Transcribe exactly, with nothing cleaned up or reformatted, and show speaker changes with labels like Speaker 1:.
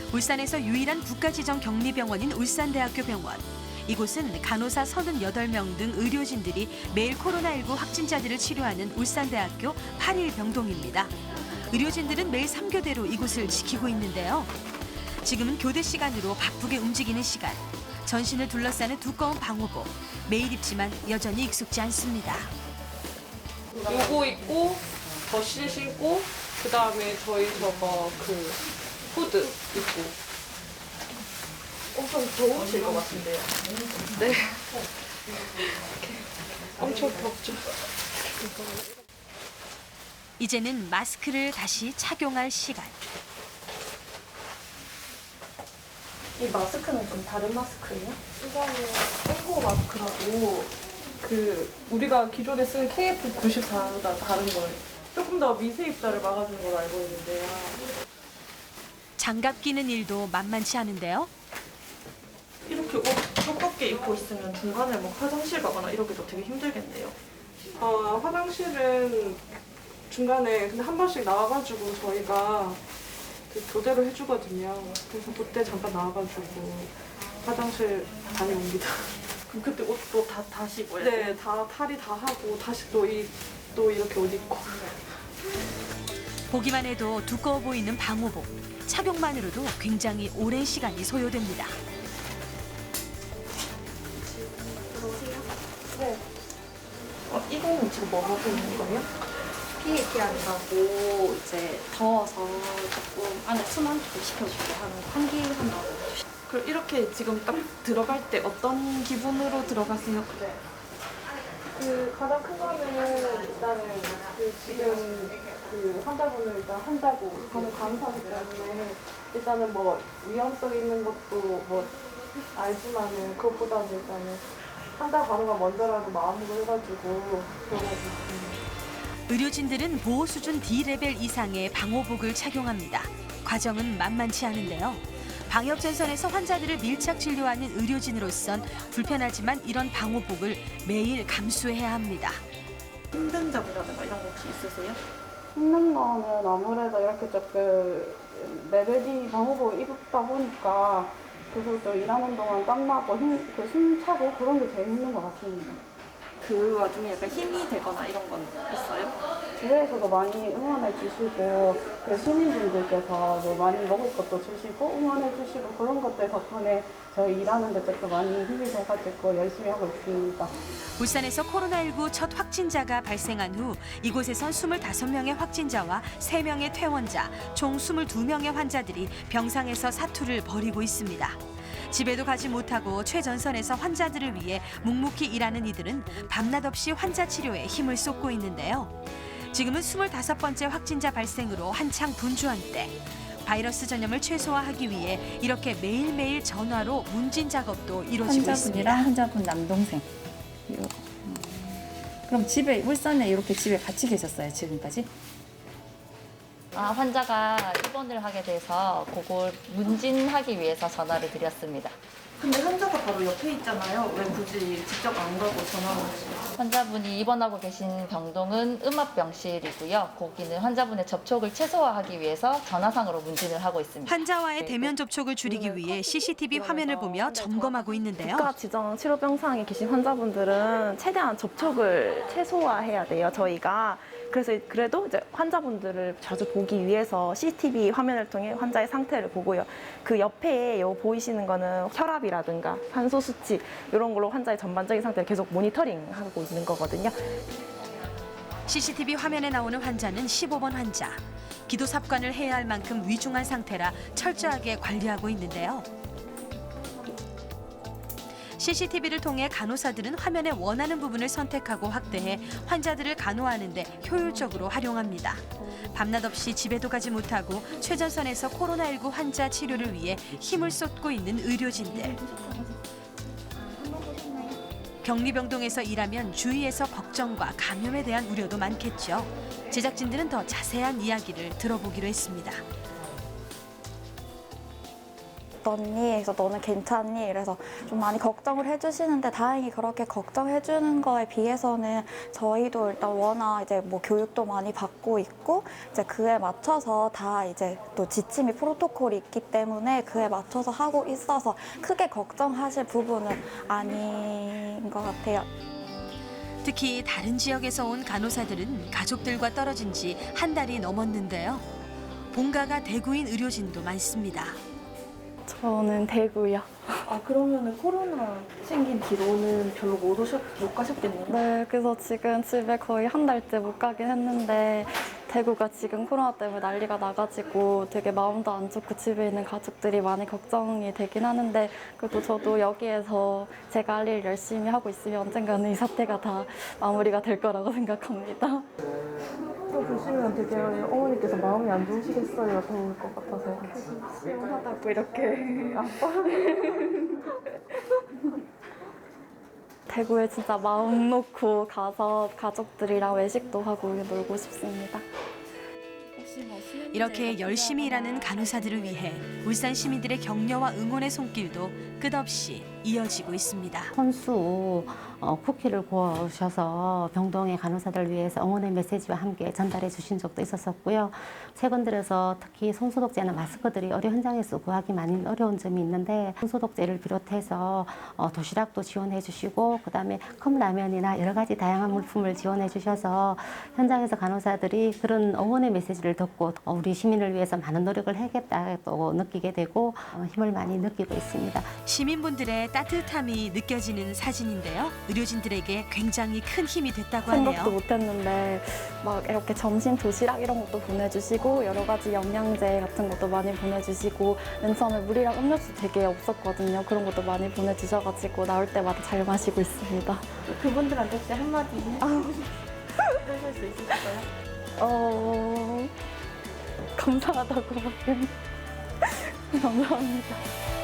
Speaker 1: 울산에서 유일한 국가지정 격리병원인 울산대학교 병원. 이곳은 간호사 서른여덟 명 등 의료진들이 매일 코로나십구 확진자들을 치료하는 울산대학교 팔 일 병동입니다. 의료진들은 매일 삼 교대로 이곳을 지키고 있는데요. 지금은 교대 시간으로 바쁘게 움직이는 시간. 전신을 둘러싸는 두꺼운 방호복. 매일 입지만 여전히 익숙지 않습니다.
Speaker 2: 요거 입고 더실 신고 그다음에 저희 저거 그 후드 입고. 엄청 더우실 것 같은데요. 네. 엄청 덥죠.
Speaker 1: 이제는 마스크를 다시 착용할 시간.
Speaker 3: 이 마스크는 좀 다른 마스크예요? 이거는 에코 마스크라고
Speaker 2: 그 우리가 기존에 쓰는 케이에프 구십사보다 다른 거예요. 조금 더 미세 입자를 막아주는 걸로 알고 있는데요.
Speaker 1: 장갑 끼는 일도 만만치 않은데요.
Speaker 3: 이렇게 옷 두껍게 입고 있으면 중간에 뭐 화장실 가거나 이러기도 되게 힘들겠네요.
Speaker 2: 어, 화장실은 중간에 근데 한 번씩 나와가지고 저희가 그 교대로 해주거든요. 그래서 그때 잠깐 나와가지고 화장실 다녀옵니다.
Speaker 3: 그럼 그때 옷도 다 다시 입어야 돼요?
Speaker 2: 네, 다 탈의 다 하고 다시 또, 이, 또 이렇게 옷 입고.
Speaker 1: 보기만 해도 두꺼워 보이는 방호복. 착용만으로도 굉장히 오랜 시간이 소요됩니다.
Speaker 3: 네. 어, 이거는 지금 뭐 하고 있는 거예요?
Speaker 4: 피에이피 한다고 이제 더워서 조금 안에 순환 좀 시켜주게 하는 환기한다고.
Speaker 3: 그럼 이렇게 지금 딱 들어갈 때 어떤 기분으로 들어가세요?
Speaker 2: 그 가장 큰 거는 일단은 그 지금 그 환자분을 일단 한다고 하는 감사하기 때문에 일단은 뭐 위험성 있는 것도 뭐 알지만은 그것보다는 일단은 한다고 하는 거 먼저라도 마음으로 해가지고 들어가고 있습니다.
Speaker 1: 의료진들은 보호 수준 디 레벨 이상의 방호복을 착용합니다. 과정은 만만치 않은데요. 방역 전선에서 환자들을 밀착 진료하는 의료진으로선 불편하지만 이런 방호복을 매일 감수해야 합니다.
Speaker 3: 힘든 점이라든가 이런 거 혹시 있으세요?
Speaker 5: 힘든 거는 아무래도 이렇게 조금 레벨이 방호복을 입다 보니까 그리고 또 일하는 동안 땀나고 힘, 그 숨 차고 그런 게 제일 힘든 것 같습니다.
Speaker 3: 그 와중에 약간 힘이 되거나 이런 건 있어요?
Speaker 5: 주위에서도 많이 응원해 주시고 그 시민분들께서 뭐 많이 먹을 것도 주시고 응원해 주시고 그런 것들 덕분에 저희 일하는 데 조금 많이 힘이 돼가지고 열심히 하고 있습니다.
Speaker 1: 울산에서 코로나십구 첫 확진자가 발생한 후 이곳에선 스물다섯 명의 확진자와 세 명의 퇴원자, 총 스물두 명의 환자들이 병상에서 사투를 벌이고 있습니다. 집에도 가지 못하고 최전선에서 환자들을 위해 묵묵히 일하는 이들은 밤낮 없이 환자 치료에 힘을 쏟고 있는데요. 지금은 스물다섯 번째 확진자 발생으로 한창 분주한 때. 바이러스 전염을 최소화하기 위해 이렇게 매일매일 전화로 문진 작업도 이루어지고 있습니다.
Speaker 6: 환자분이랑 환자분 남동생. 요. 음. 그럼 집에 울산에 이렇게 집에 같이 계셨어요 지금까지?
Speaker 7: 아, 환자가 입원을 하게 돼서 그걸 문진하기 위해서 전화를 드렸습니다.
Speaker 3: 근데 환자가 바로 옆에 있잖아요. 왜 굳이 직접 안 가고 전화를 하시나요?
Speaker 7: 환자분이 입원하고 계신 병동은 음압병실이고요. 거기는 환자분의 접촉을 최소화하기 위해서 전화상으로 문진을 하고 있습니다.
Speaker 1: 환자와의 대면 접촉을 줄이기 위해 씨씨티비 화면을 보며 점검하고 있는데요.
Speaker 8: 국가 지정 치료병상에 계신 환자분들은 최대한 접촉을 최소화해야 돼요, 저희가. 그래서 그래도 이제 환자분들을 자주 보기 위해서 씨씨티비 화면을 통해 환자의 상태를 보고요. 그 옆에 요 보이시는 거는 혈압이라든가 산소 수치 이런 걸로 환자의 전반적인 상태를 계속 모니터링하고 있는 거거든요.
Speaker 1: 씨씨티비 화면에 나오는 환자는 십오 번 환자. 기도 삽관을 해야 할 만큼 위중한 상태라 철저하게 관리하고 있는데요. 씨씨티비를 통해 간호사들은 화면에 원하는 부분을 선택하고 확대해 환자들을 간호하는 데 효율적으로 활용합니다. 밤낮 없이 집에도 가지 못하고 최전선에서 코로나십구 환자 치료를 위해 힘을 쏟고 있는 의료진들. 격리병동에서 일하면 주위에서 걱정과 감염에 대한 우려도 많겠죠. 제작진들은 더 자세한 이야기를 들어보기로 했습니다.
Speaker 9: 어떻니? 그래서 너는 괜찮니? 그래서 좀 많이 걱정을 해주시는데 다행히 그렇게 걱정해주는 거에 비해서는 저희도 일단 워낙 이제 뭐 교육도 많이 받고 있고 이제 그에 맞춰서 다 이제 또 지침이 프로토콜이 있기 때문에 그에 맞춰서 하고 있어서 크게 걱정하실 부분은 아닌 것 같아요.
Speaker 1: 특히 다른 지역에서 온 간호사들은 가족들과 떨어진 지 한 달이 넘었는데요. 본가가 대구인 의료진도 많습니다.
Speaker 8: 저는 대구요.
Speaker 3: 아 그러면은 코로나 생긴 뒤로는 별로 못 오셨 못 가셨겠네요.
Speaker 9: 네, 그래서 지금 집에 거의 한 달째 못 가긴 했는데 대구가 지금 코로나 때문에 난리가 나가지고 되게 마음도 안 좋고 집에 있는 가족들이 많이 걱정이 되긴 하는데 그래도 저도 여기에서 제가 할 일 열심히 하고 있으면 언젠가는 이 사태가 다 마무리가 될 거라고 생각합니다.
Speaker 2: 또 보시면 되게 어머니께서 마음이 안 좋으시겠어요. 더울 것 같아서.
Speaker 9: 시원하다고 이렇게 대구에 진짜 마음 놓고 가서 가족들이랑 외식도 하고 놀고 싶습니다.
Speaker 1: 이렇게 열심히 일하는 간호사들을 위해 울산 시민들의 격려와 응원의 손길도 끝없이 이어지고 있습니다.
Speaker 10: 혼수 어, 쿠키를 구워주셔서 병동의 간호사들을 위해서 응원의 메시지와 함께 전달해 주신 적도 있었었고요. 최근 들어서 특히 손소독제나 마스크들이 의료 현장에서 구하기 많이 어려운 점이 있는데 손소독제를 비롯해서 어, 도시락도 지원해 주시고 그다음에 컵라면이나 여러 가지 다양한 물품을 지원해 주셔서 현장에서 간호사들이 그런 응원의 메시지를 듣고 어, 우리 시민을 위해서 많은 노력을 해야겠다고 느끼게 되고 어, 힘을 많이 느끼고 있습니다.
Speaker 1: 시민분들의 따뜻함이 느껴지는 사진인데요. 의료진들에게 굉장히 큰 힘이 됐다고 하네요.
Speaker 9: 생각도 못했는데 막 이렇게 점심 도시락 이런 것도 보내주시고 여러 가지 영양제 같은 것도 많이 보내주시고 맨 처음에 물이랑 음료수 되게 없었거든요. 그런 것도 많이 보내주셔가지고 나올 때마다 잘 마시고 있습니다.
Speaker 3: 그분들한테 혹시 한마디 해주실 수 있으실까요?
Speaker 9: 어... 감사하다고 하긴 감사합니다.